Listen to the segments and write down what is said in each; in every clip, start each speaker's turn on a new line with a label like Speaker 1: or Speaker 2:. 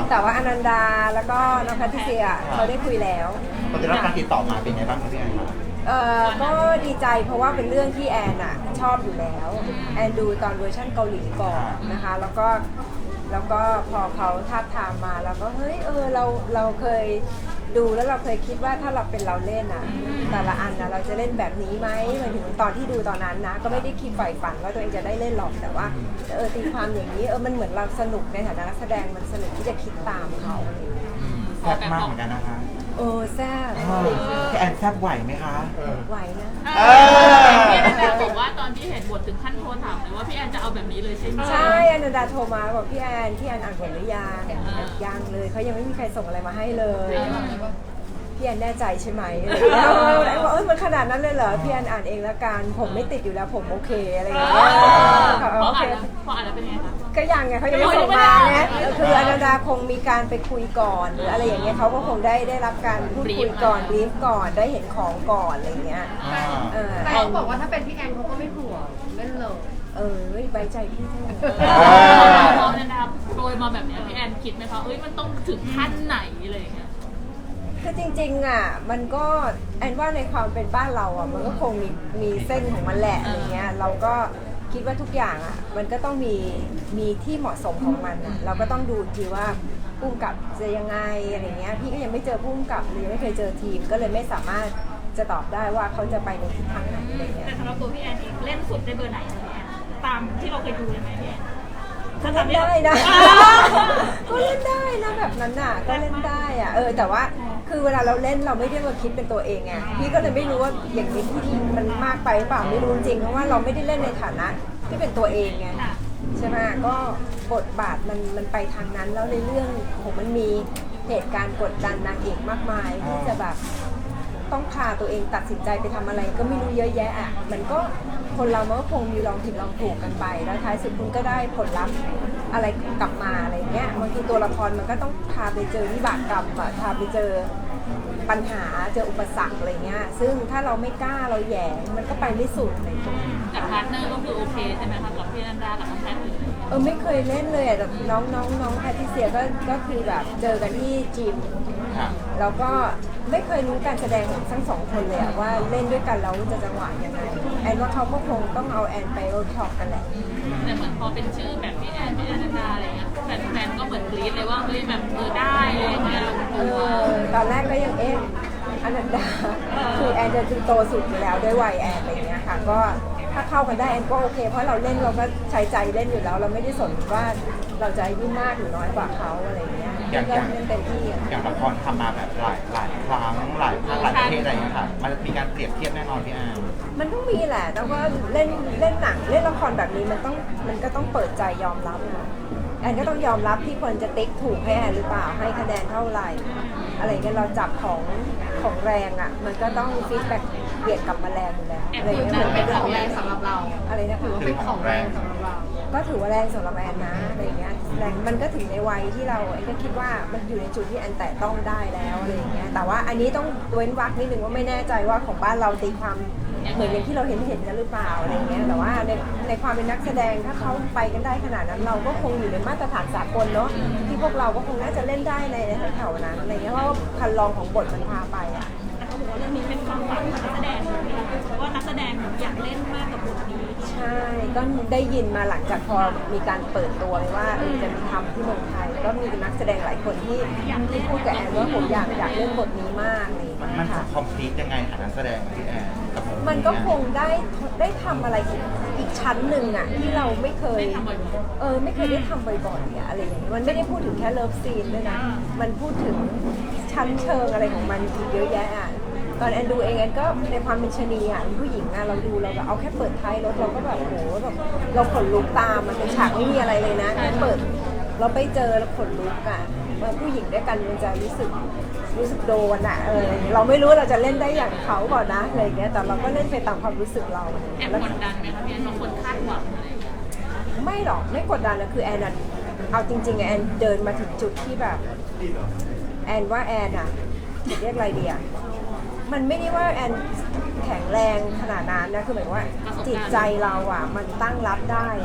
Speaker 1: แต่ว่าอนันดาแล้วก็น้องแพทริเซียเขาได้คุยแล้ว
Speaker 2: ตอนได้รับการติดต่อมาเป็นไงบ้างครับพี่แอนครับ
Speaker 1: ก็ดีใจเพราะว่าเป็นเรื่องที่แอนอะชอบอยู่แล้วแอนดูตอนเวอร์ชันเกาหลีก่อนนะคะแล้วก็พอเขาท้าทามมาแล้วก็เฮ้ยเราเคยดูแล้วเราเคยคิดว่าถ้าเราเป็นเราเล่นอะแต่ละอันนะเราจะเล่นแบบนี้ไหมหมายถึงตอนที่ดูตอนนั้นนะก็ไม่ได้คิดใฝ่ฝันว่าตัวเองจะได้เล่นหรอกแต่ว่าตีความอย่างนี้มันเหมือนเราสนุกในฐานะนักแสดงมันสนุกที่จะคิดตามเขา
Speaker 2: แซ่บมากเหมือนกันนะคะ
Speaker 1: แซ่บ
Speaker 2: พี่แอนแซ่บไหวไหมคะ
Speaker 1: ไหวนะ
Speaker 3: พี่แอนบอกว่าตอนที่เห็นบทถึงขั้นโทรถามเลยว่าพี่แอนจะเอาแบบนี้เลยใช่ไหม
Speaker 1: ใช่อนันดาโทรมาบอกพี่แอนอ่านบทหรือยังยังเลยเขายังไม่มีใครส่งอะไรมาให้เลยพี่แอนแน่ใจใช่ไหมอะไรอย่างเงี้ยบอกมันขนาดนั้นเลยเหรอพี่แอนอ่านเองละกันผมไม่ติดอยู่แล้วผมโอเคอะไรอย่างเงี้ย
Speaker 3: พออ่านแล้วเป็นไงคะ
Speaker 1: ก็ยังไงเขายังไม่ส่งมาไงคืออนันดาคงมีการไปคุยก่อนหรืออะไรอย่างเงี้ยเขาก็คงได้รับการพูดคุยก่อนบรีฟก่อนได้เห็นของก่อนอะไรอย่างเงี้ย
Speaker 4: แต่เขาบอกว่าถ้าเป็นพี่แอนเขาก็ไม่ห่วงเล่นเลย
Speaker 1: ไว้ใจพี่เถอะ
Speaker 3: พอนะครับโปรยมาแบบนี้พี่แอนคิดไหมคะมันต้องถึงขั้นไหนอะไรอย่างเงี้ย
Speaker 1: คือจริงๆอ่ะมันก็แอนว่าในความเป็นบ้านเราอ่ะมันก็คงมีเส้นของมันแหละอะไรเงี้ยเราก็คิดว่าทุกอย่างอ่ะมันก็ต้องมีที่เหมาะสมของมันอ่ะเราก็ต้องดูทีว่าผู้กำกับจะยังไงอะไรเงี้ยพี่ก็ยังไม่เจอผู้กำกับหรือยังไม่เคยเจอทีมก็เลยไม่สามารถจะตอบได้ว่าเขาจะไปในทิศทางไหนอะไรเงี้ย
Speaker 3: แต่สำหรับตัวพี่แอนเองเล่นสุดในเบอร์ไหนคะพี่แอนตามที่เราเคยดูเลยไหมพี่แอน
Speaker 1: ก็เล่นได้นะก็เล่นได้นะแบบนั้นน่ะก็เล่นได้อ่ะแต่ว่าคือเวลาเราเล่นเราไม่ได้มาคิดเป็นตัวเองไงพี่ก็เลยไม่รู้ว่าอย่างนี้ที่มันมากไปหรือเปล่าไม่รู้จริงเพราะว่าเราไม่ได้เล่นในฐานะที่เป็นตัวเองไงใช่ไหมก็บทบาทมันไปทางนั้นแล้วในเรื่องของมันมีเหตุการณ์กดดันนางเอกมากมายที่จะแบบต้องพาตัวเองตัดสินใจไปทำอะไรก็ไม่รู้เยอะแยะอ่ะมันก็คนเรามันก็คงมีลองผิดลองถูกกันไปแล้วท้ายสุดคุณก็ได้ผลลัพธ์อะไรกลับมาอะไรเงี้ยบางทีตัวละครมันก็ต้องพาไปเจอวิบากกรรมพาไปเจอปัญหาเจออุปสรรคอะไรเงี้ยซึ่งถ้าเราไม่กล้าเราแหย่มันก็ไปไม่สุดอะไรเงี้ย
Speaker 3: กับพาร์ทเนอร์ก็คือโอเคใช่ไหมคะกับพี่นันดากับน้องแพทเลย
Speaker 1: ไม่เคยเล่นเลยแต่น้องแพทริเซียก็คือแบบเจอกันที่จิมแล้วก็ไม่เคยรู้การแสดงของทั้งสองคนเลยว่าเล่นด้วยกันแล้วจะจังหวะยังไงแอนว่าเขาก็คงต้องเอาแอนไปเวิร์กช็อปกันแหละ
Speaker 3: แต่เหมือนพอเป็นชื่อแบบพี่แอนดาอะไรเงี้ยแฟนก็เหมือนกรี๊ดเลยว่าแบบได้อะไรเงี้ย
Speaker 1: ตอนแรกก็ยังอนันดาคือแอนจะโตสุดอยู่แล้วด้วยวัยแอนอะไรเงี้ยค่ะก็ถ้าเข้ากันได้แอนก็โอเคเพราะเราเล่นเราก็ใช้ใจเล่นอยู่แล้วเราไม่ได้สนว่าเราจะอายุมากหรือน้อยกว่าเขาอะไรเงี้ยก็เล่นเต็มที่
Speaker 2: อย่างละครทำมาแบบหลายครั้งหลายภาคหลายประเทศอะไรอย่างเงี้ยค่ะมันมีการเปรียบเทียบแน่นอนพี่แอน
Speaker 1: มันต้องมีแหละแต่ว่าเล่นหนังเล่นละครแบบนี้มันก็ต้องเปิดใจยอมรับนะแอนก็ต้องยอมรับที่คนจะติ๊กถูกให้แอนหรือเปล่าให้คะแนนเท่าไหร่อะไรเงี้ยเราจับของแรงอ่ะมันก็ต้องฟีดแบ็กเบียดกลับมาแรงอยู่แล้วอะไรเงี้ย
Speaker 4: มันเป็นของแรงสำหรับเรา
Speaker 1: อะไรนะคือ
Speaker 4: เป็นของแรงสำหรับเรา
Speaker 1: ก็ถือว่าแรงสำหรับแอนนะอะไรเงี้ยแรงมันก็ถึงในวัยที่เราแอนก็คิดว่ามันอยู่ในจุดที่แอนแตะต้องได้แล้วอะไรเงี้ยแต่ว่าอันนี้ต้องเว้นวรรคนิดนึงว่าไม่แน่ใจว่าของบ้านเราตีความเหมือนอย่างที่เราเห็นกันหรือเปล่าอะไรเงี้ยแต่ว่าในความเป็นนักแสดงถ้าเขาไปกันได้ขนาดนั้นเราก็คงอยู่ในมาตรฐานสากลเนาะที่พวกเราก็คงน่าจะเล่นได้ในแถวๆนั้นอะไรเงี้ยเพราะว่าคันลองของบทมันพาไปอ่ะ
Speaker 3: แต่เขาบอกว่าเรื่องนี้เป็นความฝันของนักแสดงเพราะว่านักแสดงอยากเล่นมากกับบทนี้
Speaker 1: ใช่ก็ได้ยินมาหลังจากพอมีการเปิดตัวว่าจะมีทำที่เมืองไทยก็มีนักแสดงหลายคนที่พูดกับแอนว่าผมอยากเล่นบทนี้มากเลย
Speaker 2: มันจะคอมพลีทยังไงนักแสดงพี่แอน
Speaker 1: มันก็คงได้ทำอะไรอีกชั้นหนึ่งอ่ะที่เราไม่เคยไม่เคยได้ทำบ่อยๆอะไรอย่างนี้มันไม่ได้พูดถึงแค่เลิฟซีนด้วยนะมันพูดถึงชั้นเชิงอะไรของมันอีกเยอะแยะอ่ะตอนแอนดูเองแอนก็ในความเป็นชนีอ่ะผู้หญิงอ่ะเราดูเราแบบเอาแค่เปิดท้ายรถเราก็แบบโหแบบเราขนลุกตามมันเป็นฉากไม่มีอะไรเลยนะแค่เปิดเราไปเจอแล้วขนลุกอ่ะผู้หญิงด้วยกันมันจะรู้สึกโดนอ่ะเราไม่รู้เราจะเล่นได้อย่างเขาก่อนนะอะไรเงี้ยแต่เราก็เล่นไปตามความรู้สึกเรา
Speaker 3: แอบกดดันไหมคะพี่แอนบางคนคาดหวังอะไร
Speaker 1: ไม่หรอกไม่กดดันนะคือแอนเอาจริงๆแอนเดินมาถึงจุดที่แบบแอนว่าแอนอ่ะจะเรียกอะไรดีอ่ะมันไม่ได้ว่าแอนแข็งแรงขนาดนั้นนะคือหมายว่าจิตใจเราอ่ะมันตั้งรับได้อ่ะ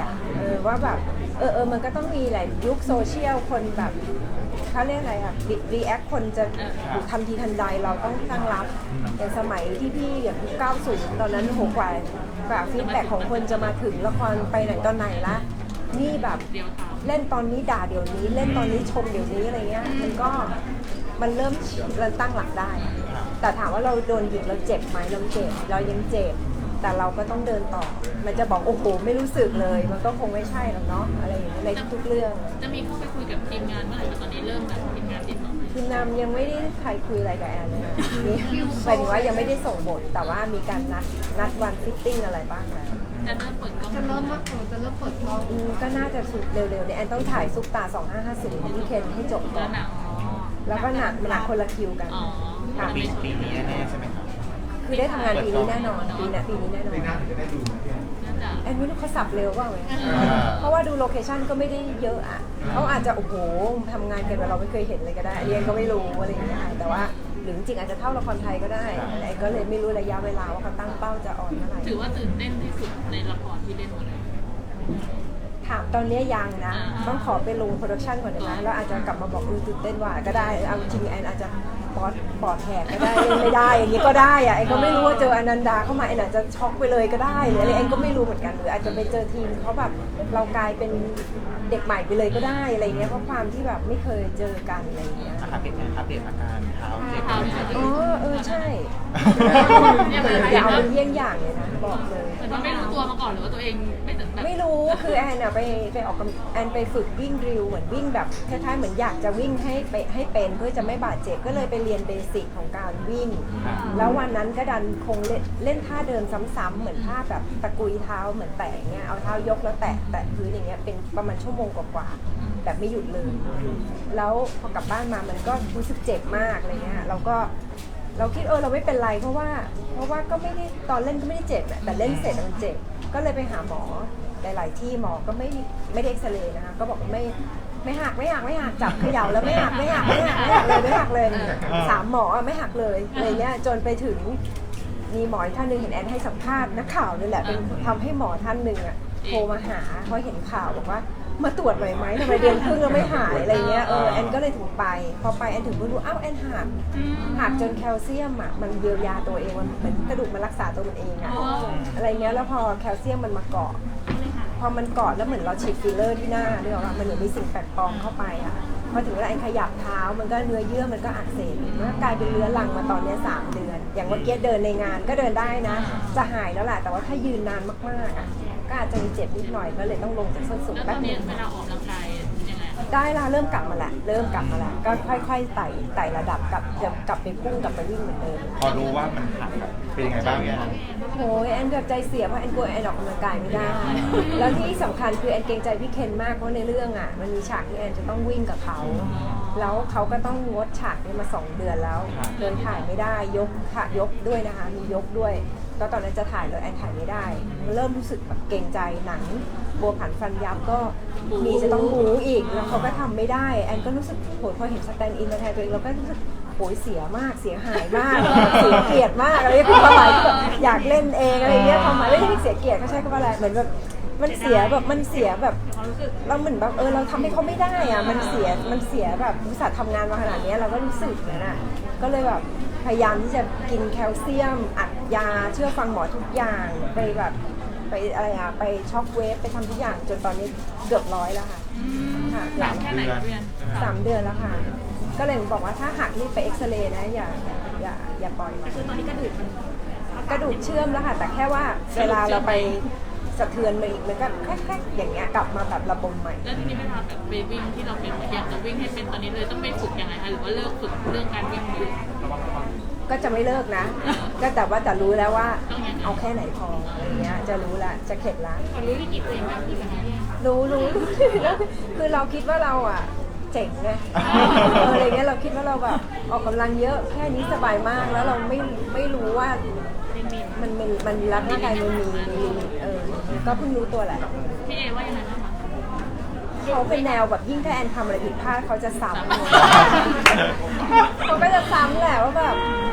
Speaker 1: ว่าแบบมันก็ต้องมีหลายยุคโซเชียลคนแบบเขาเรียกอะไรอะรีแอคคนจะทันทีทันใดเราต้องตั้งรับอย่างสมัยที่พี่อย่าง90ตอนนั้นโหกว่าฟีดแบ็กของคนจะมาถึงละครไปไหนตอนไหนละนี่แบบเล่นตอนนี้ด่าเดี๋ยวนี้เล่นตอนนี้ชมเดี๋ยวนี้อะไรเงี้ยมันเริ่มตั้งหลักได้ แต่ถามว่าเราโดนหยิกเราเจ็บไหมเราเจ็บเรายังเจ็บแต่เราก็ต้องเดินต่อมันจะบอกโอ้โหไม่รู้สึกเลยมันก็คงไม่ใช่หรอกเนาะอะไรอย่างเงี้ยในทุกๆเรื่อง
Speaker 3: จะมีเข้าไปคุยกับทีมงานเมื่อไหร่ตอนนี้เริ่มแบบทีมงานติดต่อไหม
Speaker 1: คือนำยังไม่ได้ใครคุยอะไรกับแอนเลยนะนี่หมายถึงว่ายังไม่ได้ส่งบทแต่ว่ามีการนัดวันฟิตติ้งอะไรบ้างแล้ว
Speaker 3: จะเริ่มเปิดกล้อง
Speaker 4: จะเริ่มเปิดกล้อง
Speaker 1: ก็น่าจะสุดเร็วๆเนี่ยแอนต้องถ่ายซุปตา2550ที่เคนให้จบก่
Speaker 3: แล้
Speaker 1: อ
Speaker 3: วน หนัง
Speaker 1: แล้วก็หนักคนละคิวกัน
Speaker 3: อ๋อ
Speaker 1: ค่ะ
Speaker 2: ปีนี้แน่ๆใช่ไหมครับ
Speaker 1: คือได้ทำงานปีนี้แน่นอนปีนี้แน่นอน
Speaker 3: น่าจะ
Speaker 1: แอนไม่รู้เขาสับเร็วเปล่าไหมเพราะว่าดูโลเคชั่นก็ไม่ได้เยอะอ่ะเขาอาจจะโอ้โหทำงานกันแบบเราไม่เคยเห็นเลยก็ได้อันนี้แอนก็ไม่รู้อะไรอย่างเงี้ยแต่ว่าหรือจริงๆอาจจะเท่าละครไทยก็ได้แอนก็เลยไม่รู้ระยะเวลาว่าเขาตั้งเป้าจะออนเมื่อไหร่
Speaker 3: ถือว่าตื่นเต้นที่สุดในละครที่เล่นหมดเลย
Speaker 1: ถามตอนนี้ยังนะต้องขอไปลงโปรดักชันก่อนนะคะแล้วอาจจะกลับมาบอกตื่นเต้นว่าก็ได้เอาจริงแอนอาจจะปอดแหกก็ได้เล่นไม่ได้อย่างนี้ก็ได้อะแอนก็ไม่รู้ว่าเจออนันดาเข้ามาแอนอาจจะช็อกไปเลยก็ได้หรืออะไรแอนก็ไม่รู้เหมือนกันหรืออาจจะไปเจอทีมเขาแบบเรากลายเป็นเด็กใหม่ไปเลยก็ได้อะไรเงี้ยเพราะความที่แบบไม่เคยเจอกันอะไรเงี้ย
Speaker 2: อัปเดตอาการเท้าเจ็บ
Speaker 1: อ๋อใช่
Speaker 3: เนี่ย
Speaker 1: อย่าเอาเป็นเยี่ยงอย่างเลยนะบอกเลย
Speaker 3: เหมือนว่าไม่รู้ตัวมาก่อนหรือว่าตัวเองไม่แบบ
Speaker 1: ไม่รู้คือแอนอะไปออกกำแอนไปฝึกวิ่งดริลเหมือนวิ่งแบบคล้ายๆเหมือนอยากจะวิ่งให้เป็นเพื่อจะไม่บาดเจ็บก็เลยไปเรียนเบสิกของการวิ่ง แล้ววันนั้นก็ดันคงเล่นท่าเดินซ้ำๆเหมือนท่าแบบตะกุยเท้าเหมือนแตะอย่างเงี้ยเอาเท้ายกแล้วแตะพื้นอย่างเงี้ยเป็นประมาณชั่วโมงกว่าๆแบบไม่หยุดเลย แล้วพอกลับบ้านมามันก็รู้สึกเจ็บมากอะไรเงี้ยเราคิดเราไม่เป็นไรเพราะว่าก็ไม่ได้ตอนเล่นก็ไม่ได้เจ็บแต่เล่นเสร็จมันเจ็บก็เลยไปหาหมอหลายๆที่หมอก็ไม่ได้เอ็กซเรย์นะคะก็บอกไม่หักจับเขย่าแล้วไม่หักเลย3 หมอไม่หักเลยอะไรเงี้ยจนไปถึงมีหมอท่านหนึ่งเห็นแอนให้สัมภาษณ์นักข่าวนี่แหละเป็นทำให้หมอท่านหนึ่งอ่ะโทรมาหาเพราะเห็นข่าวบอกว่ามาตรวจหน่อยไหมทำไมเดือนครึ่งแล้วไม่หายอะไรเงี้ยแอนก็เลยถึงไปพอไปแอนถึงรู้อ้าวแอนหักจนแคลเซียมอ่ะมันเยียวยาตัวเองมันเหมือนกระดูกมันรักษาตัวมันเองอ่ะอะไรเงี้ยแล้วพอแคลเซียมมันมาเกาะพอมันเกาะแล้วเหมือนเราฉีดฟิลเลอร์ที่หน้าด้วยว่ามันเหมือนมีสิ่งแปลกปลอมเข้าไปอ่ะพอถึงเวลาแอนขยับเท้ามันก็เนื้อเยื่อมันก็อักเสบมันก็กลายเป็นเรื้อรังมาตอนนี้3 เดือนอย่างเมื่อกี้เดินในงานก็เดินได้นะจะหายแล้วแหละแต่ว่าถ้ายืนนานมากๆอ่ะก็อาจจะมีเจ็บนิดหน่อยก็เลยต้องลงจากส้นสูง
Speaker 3: แล้วต
Speaker 1: แป๊
Speaker 3: อบ น
Speaker 1: นึ
Speaker 3: นี้
Speaker 1: ง
Speaker 3: เวลาออกกำลังกายยังไง
Speaker 1: ได้ละเริ่มกลับมาแล้วก็ค่อยๆไต่ระดับกลับไปพุ่งกลับไปวิ่งเหมือนเดิม
Speaker 2: พอรู้ว่ามันหักเป็นยังไงบ้างเนี่ย
Speaker 1: โอ้ยแอนเกือบใจเสียเพราะแอนกลัวแอนออกกำลังกายไม่ได้ แล้วที่สำคัญคือแอนเกรงใจพี่เคนมากเพราะในเรื่องอ่ะมันมีฉากที่แอนจะต้องวิ่งกับเขาแล้วเขาก็ต้องงดฉากนี้มา2 เดือนแล้วเดินถ่ายไม่ได้ยกด้วยนะคะมียกด้วยก็ตอนนั้นจะถ่ายเลยแอนถ่ายไม่ได้เริ่มรู้สึกแบบเกรงใจหนังบัวผันฟันยับก็มีจะต้องบูอีกแล้วเขาก็ทำไม่ได้แอนก็รู้สึกโหพอเห็นสแตนด์อินมาแทนตัวเองเราก็รู้สึกโหยเสียมากเสียหายมากเสียเกียรติมากอะไรคือความหมายแบบอยากเล่นเองอะไรเงี้ยความหมายไม่ได้เสียเกียรติเขาใช้คำว่าอะไรเหมือนแบบมันเสียแบบเราเหมือนแบบเราทำให้เขาไม่ได้อ่ะมันเสียแบบอุตส่าห์ทำงานมาขนาดนี้เราก็รู้สึกอย่างนั้นอ่ะก็เลยแบบพยายามที่จะกินแคลเซียมอัดยาเชื่อฟังหมอทุกอย่างไปแบบไปอะไรอ่ะไปช็อกเวฟไปทำทุกอย่างจนตอนนี้เกือบ100แล้วค่ะค่ะ
Speaker 3: หลังแค่ไหนเพื่อน
Speaker 1: 3 เดือนแล้วค่ะก็เลยบอกว่าถ้าหักรีบไปเอ็กซเรย์นะอย่าปล่อยคือตอนนี้กระดูกเชื่อมแล้วค่ะแต่แค่ว่าเวลาเราไปสะเทือนมันอีกมันก็แค่อย่างเงี้ยกลับมาแบบระบมใหม่
Speaker 3: แล้วทีนี้เวลาแบบไปวิ่งที่เราเป็นอยากจะวิ่งให้เป็นตอนนี้เลยต้องไปฝึกยังไงคะหรือว่าเลิกฝึกเรื่องการวิ่งเลย
Speaker 1: ก็จะไม่เลิกนะก็แต่ว่าจะรู้แล้วว่าเอาแค่ไหนพออะไรเงี้ยจะรู้ละจะเข็ดละ
Speaker 3: รู้วิกฤตตัวเองมากที่สุด
Speaker 1: รู้คือเราคิดว่าเราอ่ะเจ๋งไงอะไรเงี้ยเราคิดว่าเราแบบออกกำลังเยอะแค่นี้สบายมากแล้วเราไม่รู้ว่ามันร่างกายมันมีลิมิตก็เพิ่งรู้ตัวแหละ
Speaker 3: พี่เอว่ายังไงบ้างคะ
Speaker 1: เขาเป็นแนวแบบยิ่งถ้าแอนทำอะไรผิดพลาดเขาจะซ้ำเขาก็จะซ้ำแหละว่าแบบนี่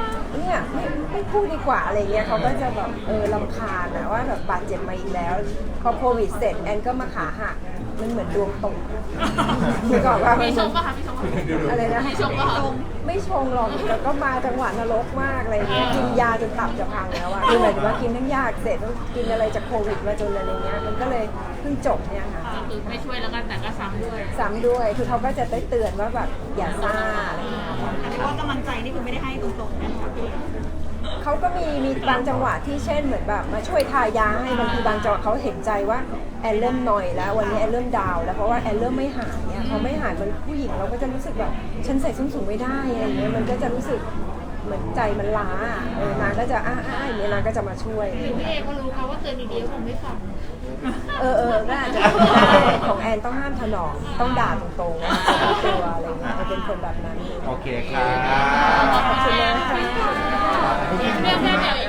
Speaker 1: อ่ะไม่พูดดีกว่าอะไรเงี้ยเขาก็จะแบบรำคาญนะว่าแบบบาดเจ็บมาอีกแล้วพอโควิดเสร็จแอนก็มาขาหักมันเหมือนดวงตกคือก่อนว่า
Speaker 3: มีชงป่ะคะมีชงป่ะ
Speaker 1: อะไรนะ
Speaker 3: มีชงป่ะคะ
Speaker 1: ไม่ชงหรอกแล้วก็มาจังหวะนรกมากอะไรเงี้ยกินยาจนตับจะพังแล้วอะคือหมายถึงว่ากินทั้งยาเสร็จต้องกินอะไรจากโควิดมาจนอะไรเงี้ยมันก็เลยเพิ่งจบเนี่ยค่ะ
Speaker 3: ก็คือไม่ช่วยแล้วกันแต่ก็ซ้ำด้วย
Speaker 1: ซ้ำด้วยคือเขาก็จะได้เตือนว่าแบบอย่าซ่าอะไรเงี้ยค่ะ
Speaker 5: อันนี้ว่ากำลังใจนี่คือไม่ได้ให้ตรงๆนะคะพี่
Speaker 1: เขาก็มีบางจังหวะที่เช่นเหมือนแบบมาช่วยทายาให้บางทีบางจังหวะเขาเห็นใจว่าแอนเริ่มหน่อยแล้ววันนี้แอนเริ่มดาวน์แล้วเพราะว่าแอนเริ่มไม่หายเนี่ยพอไม่หายมันผู้หญิงเราก็จะรู้สึกแบบฉันใส่ส้นสูงไม่ได้อะไรเงี้ยมันก็จะรู้สึกเหมือนใจมันล้านางก็จะอย่างเงี้ยนางก็จะมาช่วย
Speaker 3: พี่เอก็รู้ค่ะว่าเตือนดีๆคงไม่ฟัง
Speaker 1: ก็อาจจะได้ของแอนต้องห้ามถนอมต้องด่าตรงๆว่าตัวอะไรเงี้ยเป็นคนแบบนั้น
Speaker 2: โอเคค่ะ
Speaker 1: ขอบคุณนะคะ
Speaker 3: เรียกแค่เดี๋ยว